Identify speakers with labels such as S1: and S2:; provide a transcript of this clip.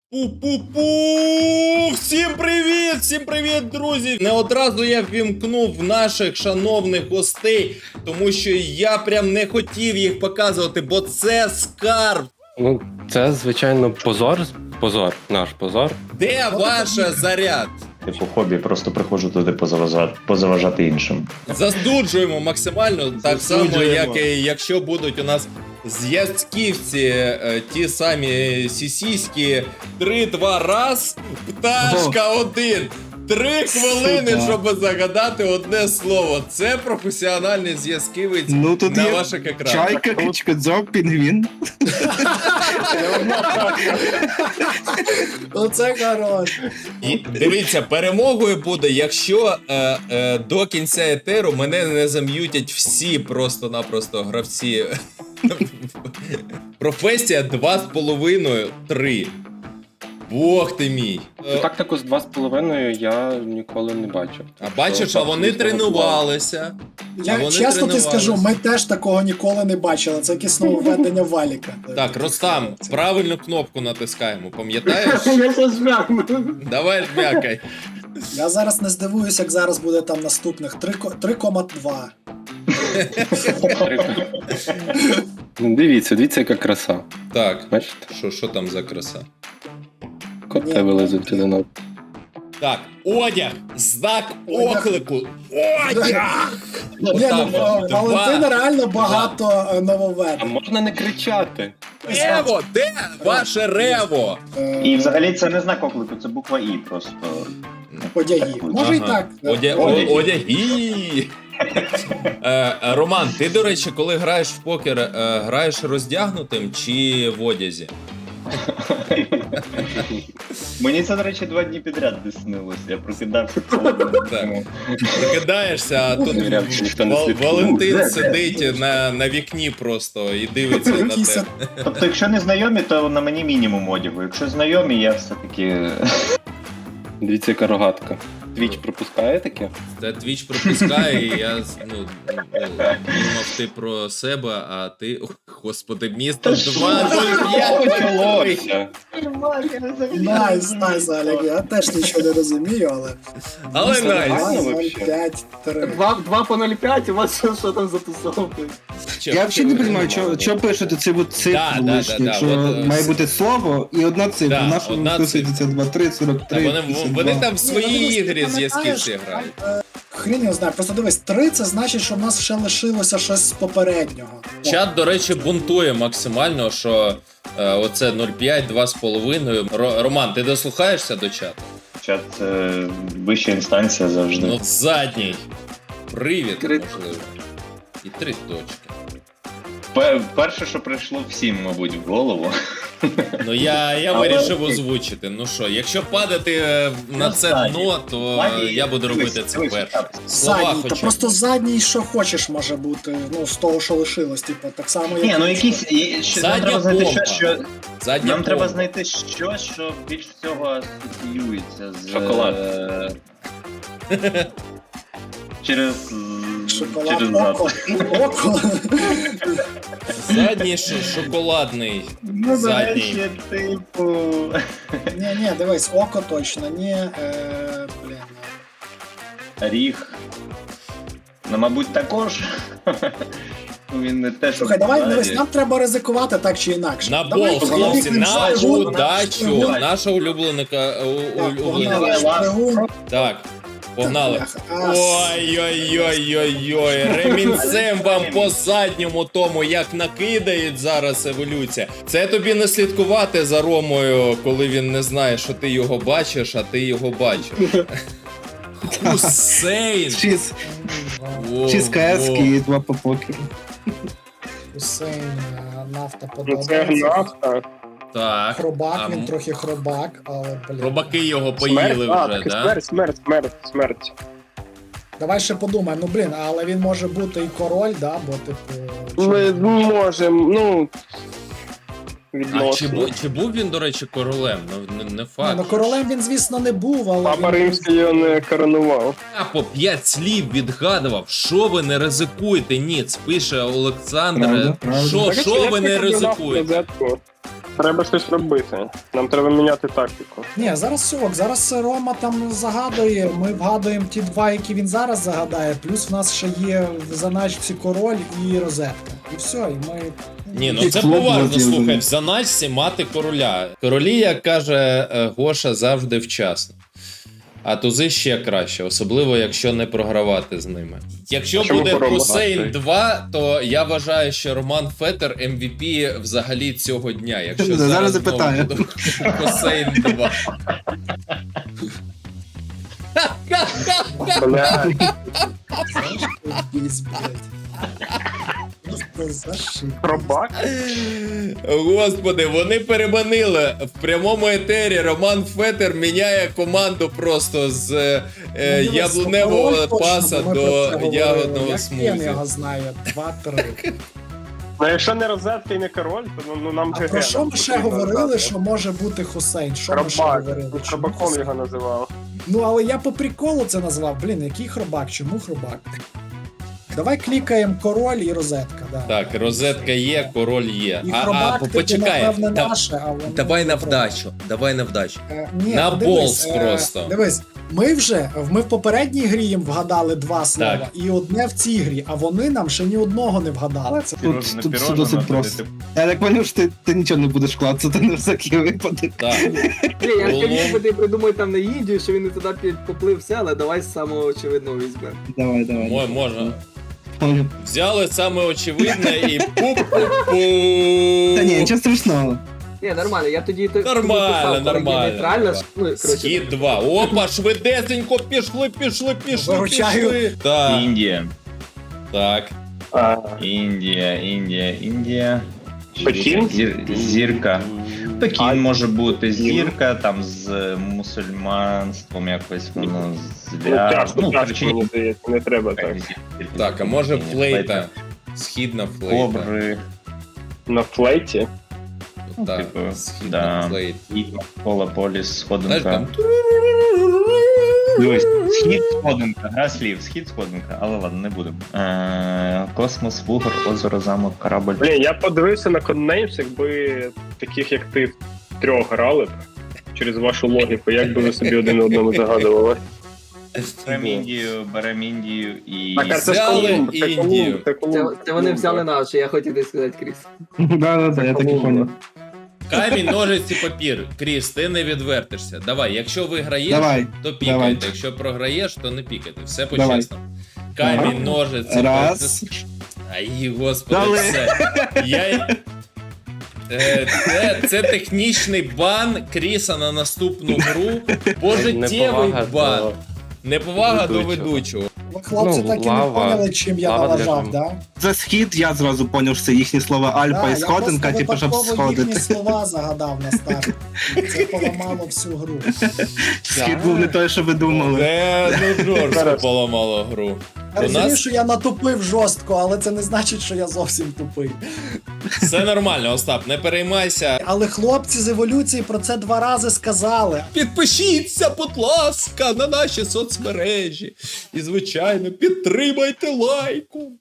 S1: Пу-пу-пу! Всім привіт, друзі! Не одразу я ввімкнув наших шановних гостей, тому що я прям не хотів їх показувати, бо це скарб.
S2: Ну, це, звичайно, позор, наш позор.
S1: Де ваша заряд?
S3: Типу хобі, просто приходжу туди позаважати іншим.
S1: Засуджуємо максимально, так само, як і якщо будуть у нас зв'язківці, ті самі сісіські, 3-2 раз, пташка 1. 3 хвилини, щоб загадати одне слово. Це професіональний зв'язківець
S4: тут
S1: на
S4: є
S1: ваших екранах.
S4: Чайка, качкадзьоб, пінгвін.
S5: Оце хорош.
S1: І дивіться, перемогою буде, якщо до кінця етеру мене не зам'ютять всі просто-напросто гравці. Професія 2,5-3. Бог ти мій.
S2: Тактику з 2,5 я ніколи не бачив.
S1: А бачиш, а вони тренувалися.
S5: Я чесно ти скажу, ми теж такого ніколи не бачили. Це якесь нововведення валіка.
S1: Так, Ростам, правильну кнопку натискаємо, пам'ятаєш?
S5: Я це жмякну.
S1: Давай жмякай.
S5: Я зараз не здивуюсь, як зараз буде там наступних 3,2.
S2: Ну, дивіться, яка краса.
S1: Так,
S2: Бачите?
S1: що там за краса?
S2: Коти вилезуть один одного.
S1: Так, одяг, знак оклику. Одяг!
S5: Ні,
S1: Отак
S5: ну,
S1: от.
S5: Валентина реально
S1: Два.
S5: багато
S2: А
S5: нововведень.
S2: можна не кричати?
S1: Рево, де ваше рево?
S3: І взагалі це не знак оклику, це буква І просто.
S5: Одяги. Може і так.
S1: Одяги. Роман, ти, до речі, коли граєш в покер, граєш роздягнутим чи в одязі?
S3: Мені це, до речі, 2 дні підряд не снилося. Я прокидався.
S1: Так. Прокидаєшся, а тут
S2: Ніхто не слідкує.
S1: Валентин сидить на вікні просто і дивиться на тебе.
S3: Тобто, якщо не знайомі, то на мені мінімум одягу. Якщо знайомі, я все-таки...
S2: Дивіться, яка рогатка. Твіч пропускає таке?
S1: Та Твіч пропускає, і я думав ти про себе, а ти, господи, місто 2-0-5.
S5: Найс, Олег. Я теж нічого не розумію, але...
S1: Але найс.
S5: 0,5-3.
S6: 2 по 0,5, у вас що там за тусовки?
S4: Я взагалі не розумію, що пишете цю цифру
S1: Да,
S4: лишню,
S1: да,
S4: якщо
S1: от,
S4: має бути слово і одна цифра.
S1: Да,
S4: Наша
S1: одна
S4: виписується 2-3, 43,
S1: Вони там в свої
S5: Ні, ну,
S1: ігри
S5: ти
S1: зв'язківці грають.
S5: Хрін його знає, просто дивись, 3 це значить, що в нас ще лишилося щось з попереднього.
S1: Чат, до речі, бунтує максимально, що оце 0,5, 2,5. Роман, ти дослухаєшся до чату?
S3: Чат це вища інстанція завжди.
S1: Ну, задній. Привід, можливо. І 3 точки.
S3: Перше, що прийшло всім, мабуть, в голову.
S1: Ну я вирішив озвучити. Ну що, якщо падати на це дно, то я буду робити це перше. Слова
S5: Задній, та
S1: хоча б.
S5: просто задній, що хочеш, може бути, ну, з того, що лишилось, типу, так само, як...
S3: Ні, ну якісь... Нам треба знайти
S1: помпа.
S3: щось, що...
S1: Задня
S3: Нам треба
S1: помпа.
S3: знайти щось, що більш всього асоціюється з...
S2: Шоколад.
S3: Через
S5: Шоколад,
S3: зад.
S5: око.
S1: Задній шоколадний.
S3: Ну, до
S1: Задній.
S3: речі, типу...
S5: Ні, дивись, око точно, ні, блін.
S3: Ріг. Ну, мабуть, також. Ну, він не те, що...
S5: Слухай, давай, дивись, нам треба ризикувати так чи інакше.
S1: На
S5: Давай,
S1: бол,
S5: погнали,
S1: хлопці, на
S5: шпигун,
S1: удачу.
S5: шпигун.
S1: Наша улюбленика.
S5: Погнали, шпигун.
S1: Так, погнали.
S5: Ас.
S1: Ой-ой-ой-ой-ой, ремінцем вам по задньому тому, як накидають зараз еволюція. Це тобі не слідкувати за Ромою, коли він не знає, що ти його бачиш, а ти його бачиш. Хусейн!
S4: 6
S1: Во,
S4: 6 КС
S1: во.
S4: і 2 по покеру.
S5: Хусейн, нафта
S6: Це
S5: подобається.
S6: нафта.
S1: Так.
S5: Хробак,
S1: а
S5: він трохи хробак, але, блін.
S1: Робаки його поїли вже, да?
S6: Смерть.
S5: Давай ще подумаємо, ну, блін, але він може бути і король, да, бо, типу...
S6: Ми можемо, ну... відносини.
S1: Чи був він, до речі, королем? Ну, не
S5: Ні,
S1: факт.
S5: ну королем він, звісно, не був, але
S6: Папа
S5: він...
S6: Римський його не коронував.
S1: Я по 5 слів відгадував. Що ви не ризикуєте? Ніц, пише Олександр.
S4: Правда, правда.
S1: Що ви не ризикуєте?
S6: Розетку. Треба щось робити. Нам треба міняти тактику.
S5: Ні, зараз сьок, зараз Рома там загадує, ми вгадуємо ті два, які він зараз загадає, плюс в нас ще є в заначці король і розетка. І все, і ми...
S1: Ні, ну
S4: І
S1: це
S4: клуб
S1: поважно,
S4: злотів.
S1: слухай, в заначці мати короля. Королі, як каже Гоша, завжди вчасно. А тузи ще краще, особливо якщо не програвати з ними. Якщо
S6: Чому
S1: буде
S6: програвати?
S1: Хусейн 2, то я вважаю, що Роман Фетер MVP взагалі цього дня. Якщо
S4: Зараз
S1: зараз
S4: запитаю.
S1: знову буде Хусейн 2.
S6: Бля,
S5: Біс, блядь. Просто зашиб.
S6: пробак?
S1: Господи, вони переманили в прямому етері. Роман Фетер міняє команду просто з яблуневого паса до ягодного
S5: Як я
S1: смузі.
S5: його знаю, 2-3.
S6: Ну якщо не розетка і не король, то ну нам
S5: А
S6: ГГ.
S5: про що
S6: нам
S5: ми ще
S6: потрібно
S5: говорили,
S6: знати.
S5: що може бути Хусейн? Що ми ще
S6: Хробак.
S5: говорили? Чому
S6: Хробаком
S5: Хусейн?
S6: його називав.
S5: Ну, але я по приколу це назвав. Блін, який хробак? Чому хробак? Давай клікаємо король і розетка. Да.
S1: Так, розетка є, король є.
S5: І хробак,
S1: почекай.
S5: напевне, наше, а воно...
S1: Давай на
S5: не
S1: вдачу. Давай на вдачу.
S5: Ні,
S1: На
S5: подивись,
S1: болс просто.
S5: Дивись, ми в попередній грі їм вгадали два слова,
S1: Так.
S5: і одне в цій грі, а вони нам ще ні одного не вгадали. Це
S4: Тут все досить просто. Я так поняв, що ти нічого не будеш клацати на всякий випадок.
S1: Так.
S7: Блін, я
S1: Було.
S7: хотів би ти придумай там на Індію, що він не туди поплився, але давай з самого очевидного візьмемо.
S4: Давай.
S1: Можна.
S4: Поняв.
S1: Взяли саме очевидне і пу-пу-пу.
S4: Та ні, нічого страшного.
S7: Ні, нормально, я тоді
S1: Нормально, нормально.
S7: Нейтрально, ну, коротше,
S1: Схід 2. Опа, швидесенько, пішли.
S5: Виручаю.
S1: Так,
S3: Індія.
S1: так.
S3: Індія.
S6: Пекін?
S3: Зірка. Пекін може бути зірка, там з мусульманством якось воно
S6: Ну, тяжко,
S3: коротше,
S6: тяжко, мені здається, не треба так.
S1: Так, а може флейта? Східна флейта.
S3: Кобри.
S6: На флейті?
S1: Так,
S3: Типу,
S1: східна
S3: да.
S1: флейта.
S3: Пола поліс,
S1: Знаєш,
S3: сходинка.
S1: там...
S3: Дивись, схід сходинка, гра слів, схід сходинка, але ладно, не будемо. Космос, вугор, озеро, замок, корабль.
S6: Блін, я подивився на Codenames, якби таких як ти трьох грали б через вашу логіку, як би ви собі один одному загадували.
S3: Берем Індію і...
S6: Так, а це ж
S1: Взяли
S6: Колумб, це
S1: Індію.
S6: Колумб, це Колумб.
S7: це вони взяли наше, я хотів десь сказати, Кріс.
S4: Да, я так і поняв.
S1: Камінь, ножиці, папір. Кріс, ти не відвертишся. Давай, якщо виграєш,
S4: Давай.
S1: то пікайте.
S4: Давай.
S1: Якщо програєш, то не пікайте. Все
S4: Давай.
S1: по-чесному. Камінь, ножиці,
S4: Раз.
S1: Ай, господи,
S4: Дали.
S1: все. Це технічний бан Кріса на наступну гру. Пожиттєвий
S2: Неповага
S1: бан.
S2: до
S1: Неповага до
S2: ведучого.
S1: ведучого.
S5: Ви, хлопці,
S2: Ну,
S5: так і не
S2: лава.
S5: поняли, чим я
S2: Лава для
S5: налажав,
S2: жому.
S5: да?
S4: За схід я зразу поняв, що це їхні слова Альпа
S5: Да,
S4: і сходинка,
S5: я
S4: типу,
S5: просто
S4: щоб
S5: випадково їхні
S4: сходити.
S5: слова загадав на старт. Це поламало всю гру.
S4: Схід був не той, що ви думали.
S1: Це ну жорстко поламало гру.
S5: Я
S1: У
S5: розумію,
S1: нас
S5: що я натупив жорстко, але це не значить, що я зовсім тупий.
S1: все нормально, Остап, не переймайся.
S5: Але хлопці з еволюції про це 2 рази сказали.
S1: Підпишіться, будь ласка, на наші соцмережі. І, звичайно, підтримайте лайком.